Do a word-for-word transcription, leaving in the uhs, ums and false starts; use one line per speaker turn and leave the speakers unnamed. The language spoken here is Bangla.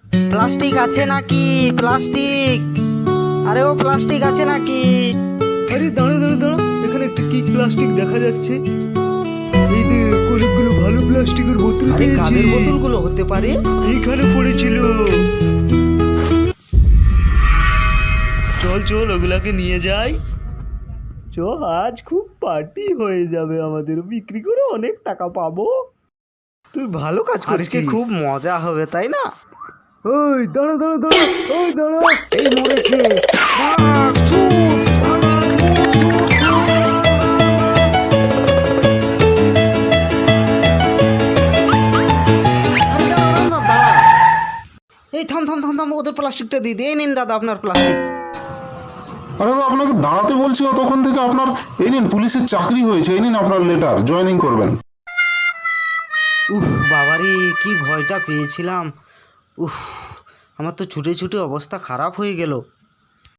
প্লাস্টিক আছে নাকি? প্লাস্টিক, আরে ও প্লাস্টিক আছে নাকি?
আরে দাঁড়া দাঁড়া দাঁড়া, এখানে একটা কি প্লাস্টিক দেখা যাচ্ছে। এই যে অনেকগুলো ভালো প্লাস্টিকের বোতল
আরে
পেয়েছি।
কাদের বোতলগুলো হতে পারে?
এইখানে পড়েছিল। চল চল ওগুলাকে নিয়ে যাই। চ, আজ খুব পার্টি হয়ে যাবে আমাদের, বিক্রি করে অনেক টাকা পাবো।
তুই ভালো কাজ করেছিস। আজকে খুব মজা হবে তাই না?
ওই দাঁড়া দাঁড়া দাঁড়া, ওই দাঁড়া।
এই মরেছে, ভাগ, ছুট, ভাগ, ছুট, ছুট, ছুট। আরে দাঁড়া, দাঁড়া, দাঁড়া। এই থাম থাম থাম থাম, ওদের প্লাস্টিকটা দিয়ে দিয়ে নিন দাদা আপনার প্লাস্টিক।
আরে দাদা, আপনাকে দাঁড়াতে বলছি তখন থেকে। আপনার এই নিন, পুলিশের চাকরি হয়েছে, এই নিন আপনার লেটার, জয়েনিং করবেন।
উফ বাবারে, কি ভয়টা পেয়েছিলাম। উফ, আমার তো ছুটে ছুটে অবস্থা খারাপ হয়ে গেল।